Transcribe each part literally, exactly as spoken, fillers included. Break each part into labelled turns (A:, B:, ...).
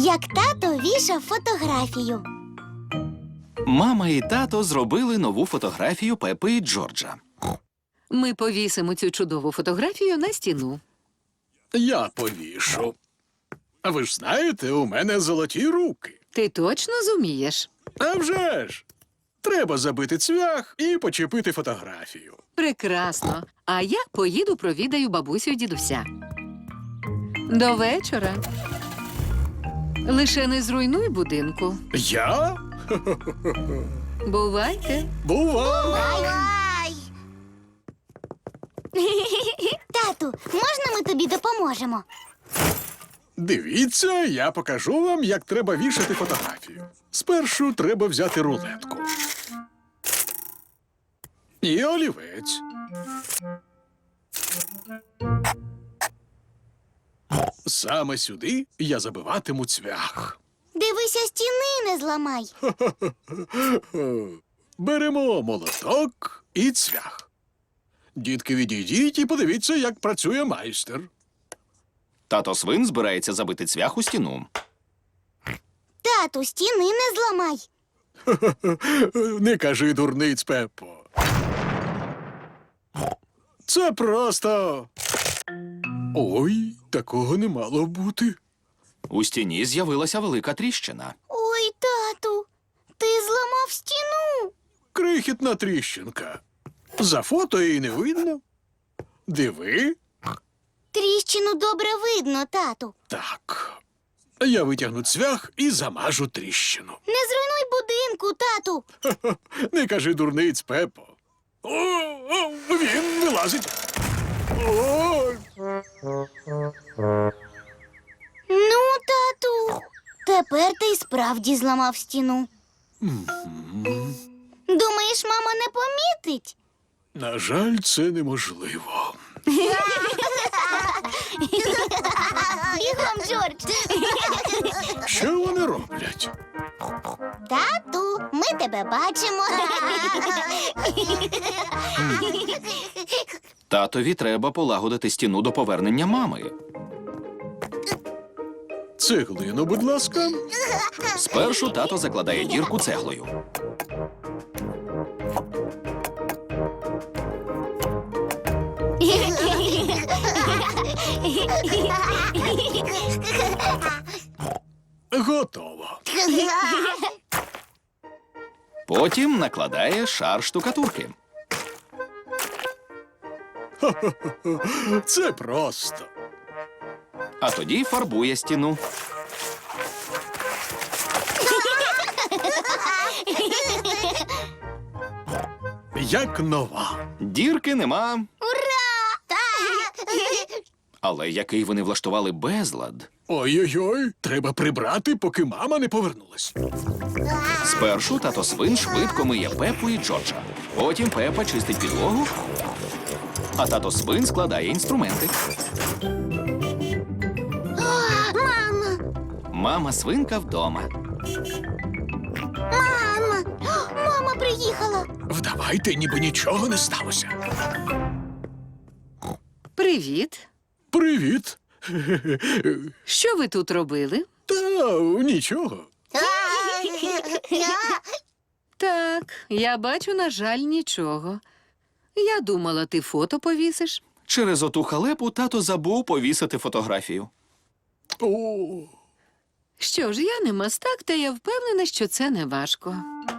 A: Як тато вішав фотографію.
B: Мама і тато зробили нову фотографію Пепи і Джорджа.
C: Ми повісимо цю чудову фотографію на стіну.
D: Я повішу. А ви ж знаєте, у мене золоті руки.
C: Ти точно зумієш?
D: А вже ж! Треба забити цвях і почепити фотографію.
C: Прекрасно. А я поїду провідаю бабусю і дідуся. До вечора. Лише не зруйнуй будинку.
D: Я?
C: Бувайте.
D: Бувай!
A: Ай! Тату, можна ми тобі допоможемо?
D: Дивіться, я покажу вам, як треба вішати фотографію. Спершу треба взяти рулетку. І олівець. Саме сюди я забиватиму цвях.
A: Дивися, стіни не зламай.
D: Беремо молоток і цвях. Дітки, відійдіть і подивіться, як працює майстер.
B: Тато Свин збирається забити цвях у стіну.
A: Тату, стіни не зламай.
D: Не кажи, дурниць, Пеппо. Це просто... Ой, такого не мало бути.
B: У стіні з'явилася велика тріщина.
A: Ой, тату, ти зламав стіну.
D: Крихітна тріщинка. За фото її не видно. Диви.
A: Тріщину добре видно, тату.
D: Так. Я витягну цвях і замажу тріщину.
A: Не зруйнуй будинку, тату.
D: Не кажи, дурниць, Пеппо. О, о, він вилазить. О,
A: Ну, тату, тепер ти й справді зламав стіну. Думаєш, мама не помітить?
D: на жаль, це неможливо.
A: Бігом, Джордж.
D: Що вони роблять?
A: Тату, ми тебе бачимо.
B: Татові треба полагодити стіну до повернення мами.
D: Цеглину, будь ласка.
B: Спершу тато закладає дірку цеглою.
D: Готово.
B: Потім накладає шар штукатурки.
D: Це просто.
B: А тоді фарбує стіну.
D: Як нова.
B: Дірки нема.
A: Ура!
B: Але який вони влаштували безлад.
D: Ой-ой-ой, треба прибрати, поки мама не повернулась.
B: Спершу тато Свин швидко миє Пепу і Джорджа. Потім Пепа чистить підлогу, а тато Свин складає інструменти.
A: Мама!
B: Мама Свинка вдома.
A: Мама! Мама приїхала.
D: Вдавайте, ніби нічого не сталося.
C: Привіт.
D: Привіт.
C: Що ви тут робили?
D: Та нічого.
C: Так, я бачу, на жаль, нічого. Я думала, ти фото повісиш.
B: Через оту халепу тато забув повісити фотографію.
D: О,
C: Що ж, я не мастак, та я впевнена, що це не важко.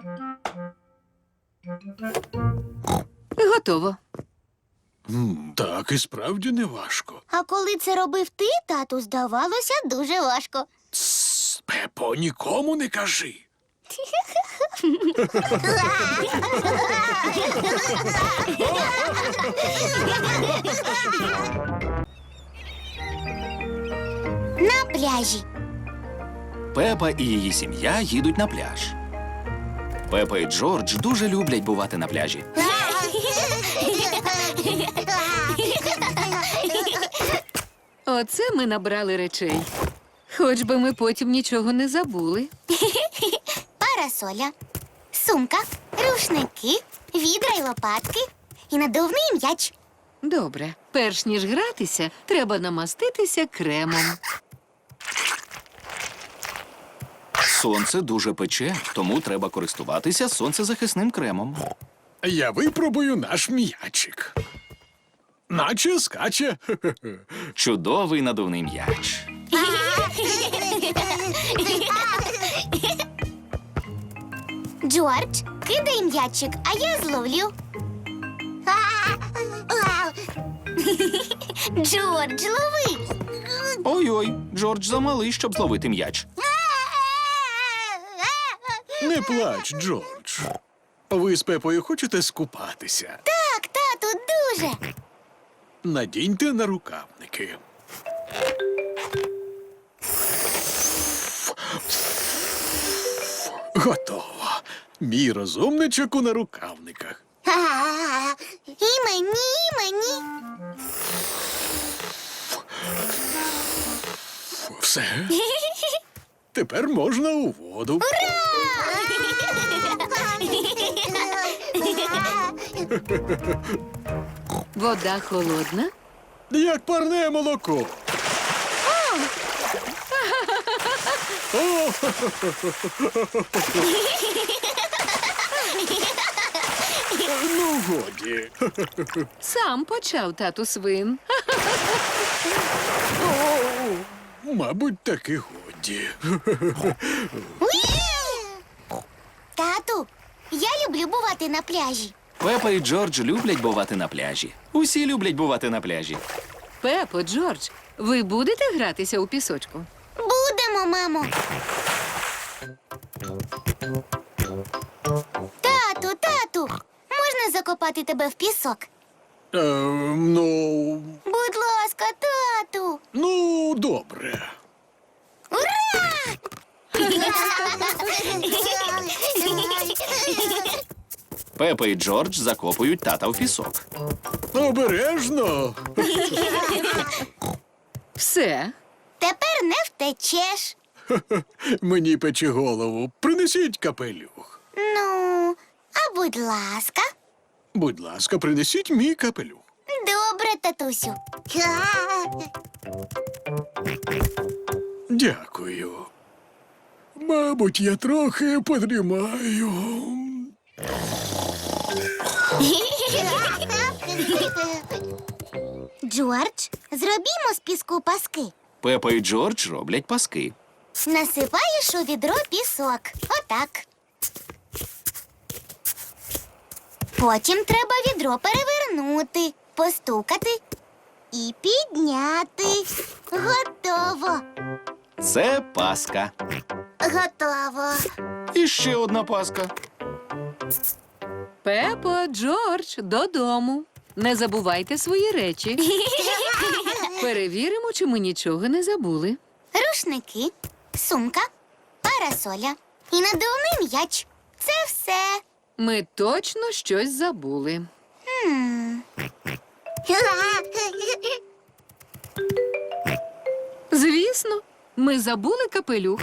C: Готово.
D: м, так і справді не важко.
A: А коли це робив ти, тату, здавалося дуже важко.
D: Тсс, Пепо, нікому не кажи.
A: На пляжі.
B: Пепа і її сім'я їдуть на пляж. Пепа і Джордж дуже люблять бувати на пляжі.
C: Оце ми набрали речей. Хоч би ми потім нічого не забули.
A: Парасоля, сумка, рушники, відра й лопатки і надувний м'яч.
C: Добре. Перш ніж гратися, треба намаститися кремом.
B: Сонце дуже пече, тому треба користуватися сонцезахисним кремом.
D: Я випробую наш м'ячик. Наче скаче.
B: Чудовий надувний м'яч.
A: Джордж, кидай м'ячик, а я зловлю. Джордж, лови.
B: Ой-ой, Джордж замалий, щоб зловити м'яч.
D: Не плач, Джордж. Ви з Пепою хочете скупатися?
A: Так, тату, дуже.
D: Надіньте на рукавники. Готово. Мій розумничок у нарукавниках.
A: І мені, і мені.
D: Все. Тепер можна у воду.
C: Вода холодна.
D: Як парне молоко. О! Ну, годі.
C: Сам почав тату свин.
D: Мабуть, таки годі.
A: Тату, я люблю бувати на пляжі.
B: Пепа і Джордж люблять бувати на пляжі. Усі люблять бувати на пляжі.
C: Пепо, Джордж, ви будете гратися у пісочку?
A: Будемо, мамо. Тату, тату, можна закопати тебе в пісок?
D: Е, ну,
A: Будь ласка, тату.
D: ну, добре.
B: Пепа і Джордж закопують тата в пісок.
D: Обережно.
C: Все.
A: Тепер не втечеш.
D: Мені пече голову. Принесіть капелюх.
A: Ну, а будь ласка.
D: Будь ласка, принесіть мій капелюх.
A: Добре, татусю.
D: Дякую. Мабуть, я трохи подрімаю.
A: Джордж, зробімо з піску паски.
B: Пепа і Джордж роблять паски.
A: Насипаєш у відро пісок. Отак. Потім треба відро перевернути, постукати і підняти. Готово.
B: Це паска.
A: Готово.
B: І ще одна паска.
C: Пепо, Джордж, додому. Не забувайте свої речі. Перевіримо, чи ми нічого не забули.
A: Рушники, сумка, парасоля і надувний м'яч. Це все.
C: Ми точно щось забули.
A: Хм.
C: Звісно, ми забули капелюх.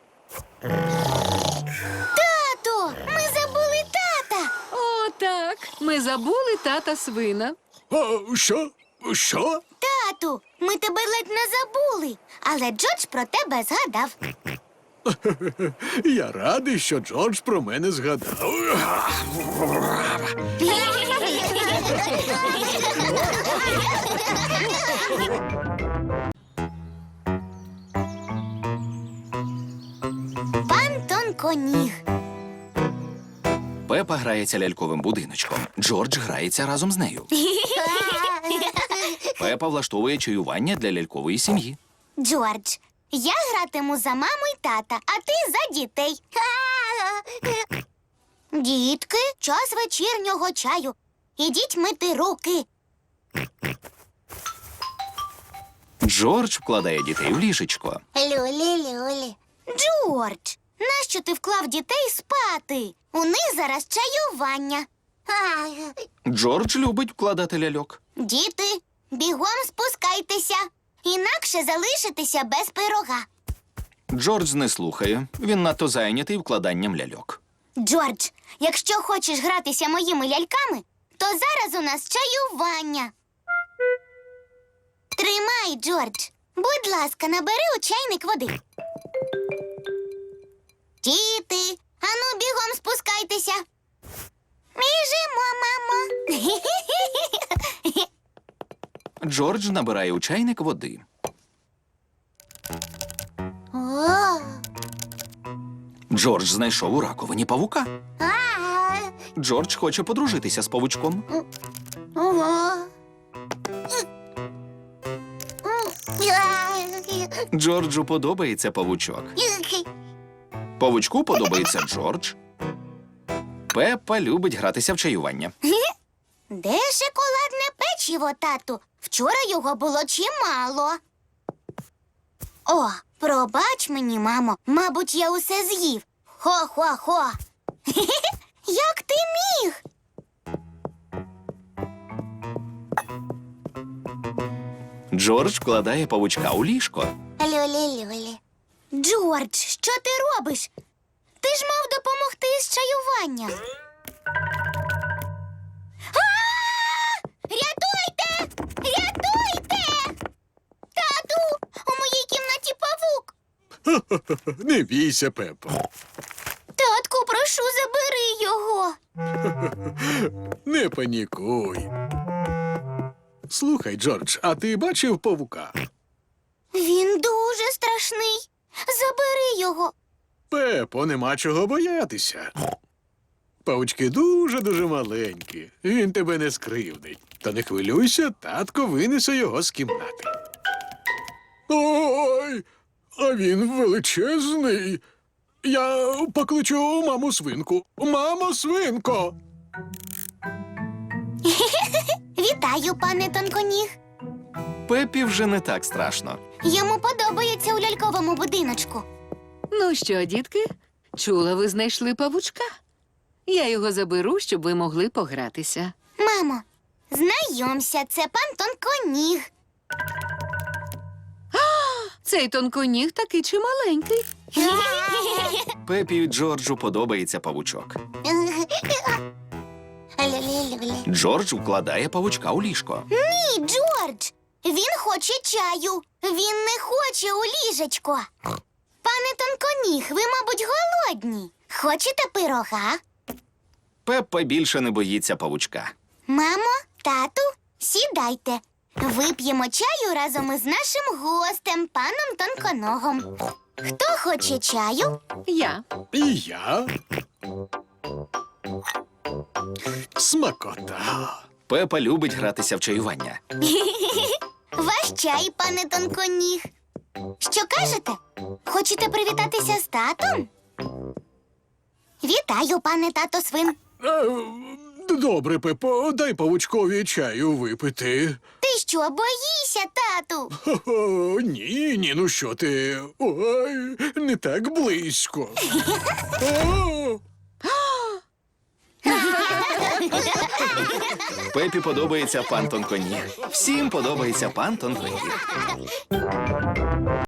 A: Тато, ми забули тата.
C: О, так. Ми забули тата свина.
D: А, що? Що?
A: Тату, ми тебе ледь не забули, але Джордж про тебе згадав.
D: Я радий, що Джордж про мене згадав.
A: Пан Тонконіг.
B: Пепа грається ляльковим будиночком. Джордж грається разом з нею. Пепа влаштовує чаювання для лялькової сім'ї.
A: Джордж, я гратиму за маму й тата, а ти за дітей. Дітки, час вечірнього чаю. Ідіть мити руки.
B: Джордж вкладає дітей в ліжечко.
A: Люлі-люлі. Джордж, нащо ти вклав дітей спати? У них зараз чаювання.
B: Джордж любить вкладати ляльок.
A: Діти, бігом спускайтеся, інакше залишитеся без пирога.
B: Джордж не слухає. Він надто зайнятий вкладанням ляльок.
A: Джордж, якщо хочеш гратися моїми ляльками, то зараз у нас чаювання. Тримай, Джордж. Будь ласка, набери у чайник води. Діти, ану бігом спускайтеся. Біжимо, мамо.
B: Джордж набирає у чайник води.
A: О,
B: Джордж знайшов у раковині павука.
A: а,
B: Джордж хоче подружитися з павучком.
A: ого.
B: Джорджу подобається павучок. Павучку подобається Джордж. Пеппа любить гратися в чаювання.
A: Де шоколадне печиво, тату? Вчора його було чимало. О, пробач мені, мамо. Мабуть, я усе з'їв. Хо-хо-хо. Як ти міг?
B: Джордж вкладає павучка у ліжко.
A: Люлі-люлі. Джордж, що ти робиш? Ти ж мав допомогти із чаюванням. А! Рятуйте! Рятуйте! Тату, у моїй кімнаті павук.
D: Не бійся, Пепо.
A: Татку, прошу, забери його.
D: Не панікуй. Слухай, Джордж, а ти бачив павука?
A: Він дуже страшний. Забери його.
D: Пепо, нема чого боятися. Павучки дуже-дуже маленькі. Він тебе не скривдить. Та не хвилюйся, татко винесе його з кімнати. Ой, а він величезний. Я покличу маму свинку. Мамо, свинко!
A: Вітаю, пане Тонконіг.
B: Пеппі вже не так страшно.
A: Йому подобається у ляльковому будиночку.
C: Ну що, дітки, чула, ви знайшли павучка? Я його заберу, щоб ви могли погратися.
A: Мамо, знайомся, це пан Тонконіг.
C: Цей тонконіг такий чималенький.
B: Пеппі і Джорджу подобається павучок.
A: Лі-лі-лі-лі.
B: Джордж вкладає павучка у ліжко.
A: Ні, Джордж, він хоче чаю. Він не хоче у ліжечко. Пане Тонконіг, ви, мабуть, голодні. Хочете пирога?
B: Пеппа більше не боїться павучка.
A: Мамо, тату, сідайте. Вип'ємо чаю разом із нашим гостем, паном Тонконогом. Хто хоче чаю?
C: Я.
D: І я. Смакота.
B: Пеппа любить гратися в чаювання.
A: Ваш чай, пане Тонконіг. Що кажете? Хочете привітатися з татом? Вітаю, пане тато свин.
D: Е, Добре, Пепо, дай павучкові чаю випити.
A: Ти що, боїшся, тату?
D: Хо-хо, ні, ні, ну що ти? Ой, не так близько. О!
B: Пеппі подобається пан Тонконіг. Всім подобається пан Тонконіг.